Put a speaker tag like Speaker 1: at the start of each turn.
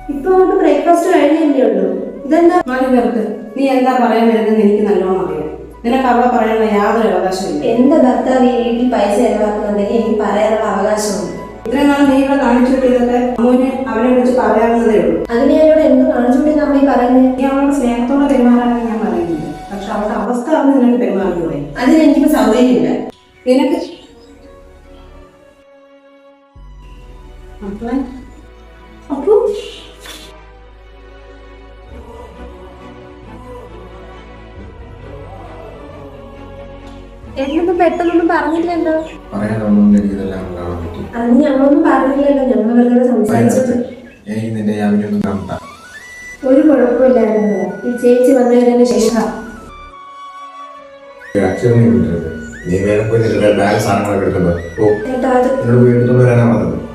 Speaker 1: ഇപ്പൊ അങ്ങോട്ട് ബ്രേക്ക്ഫാസ്റ്റ് കഴിഞ്ഞല്ലേ ഉള്ളൂ. ഇതെന്താ
Speaker 2: മതി നിർത്ത്. നീ എന്താ പറയാൻ വരുന്നത് എനിക്ക് നല്ലോണം അറിയാം. നിനക്ക് അവിടെ പറയാനുള്ള യാതൊരു അവകാശമില്ല.
Speaker 1: എന്റെ ഭർത്താവ് ഈ വീട്ടിൽ പൈസ ചെലവാക്കുന്നുണ്ടെങ്കിൽ എനിക്ക് പറയാനുള്ള അവകാശമുണ്ട്.
Speaker 2: ഇത്രയും നാൾ നീ ഇവിടെ കാണിച്ചു കിട്ടിയതൊക്കെ അമ്മുവിനെ അവനെ കുറിച്ച് പറയാവുന്നതേ ഉള്ളൂ.
Speaker 1: അതിന് എന്നോട് എന്ത് കാണിച്ചുകൊണ്ടിരുന്ന അമ്മ ഈ പറയുന്നത്?
Speaker 2: നീ അവളോട് സ്നേഹത്തോടെ പെരുമാറാനാണ് ഞാൻ പറയുന്നത്. പക്ഷെ അവളുടെ അവസ്ഥ അറിഞ്ഞ് നിനക്ക് പെരുമാറിക്കൂടെ?
Speaker 1: അതിന് എനിക്കിപ്പോ സൗകര്യമില്ല.
Speaker 2: നിനക്ക് മക്കളെ
Speaker 1: അപ്പോ എന്നൊന്നും പെട്ടെന്നൊന്നും പറഞ്ഞില്ലല്ലോ. അതിന് ഞങ്ങളൊന്നും പറഞ്ഞില്ലല്ലോ. ഞങ്ങൾ വെറുതെ സംസാരിച്ചത്. ഒരു കുഴപ്പമില്ലായിരുന്നു. ഈ ചേച്ചി വന്നതിന് ശേഷം
Speaker 3: നീ വേറെ പോയി ബാഗ് സാധനങ്ങളൊക്കെ എടുക്കണ്ടോ?
Speaker 1: ചേട്ടാ അത്
Speaker 3: വീട്ടിൽ വരാനാ പറഞ്ഞത്.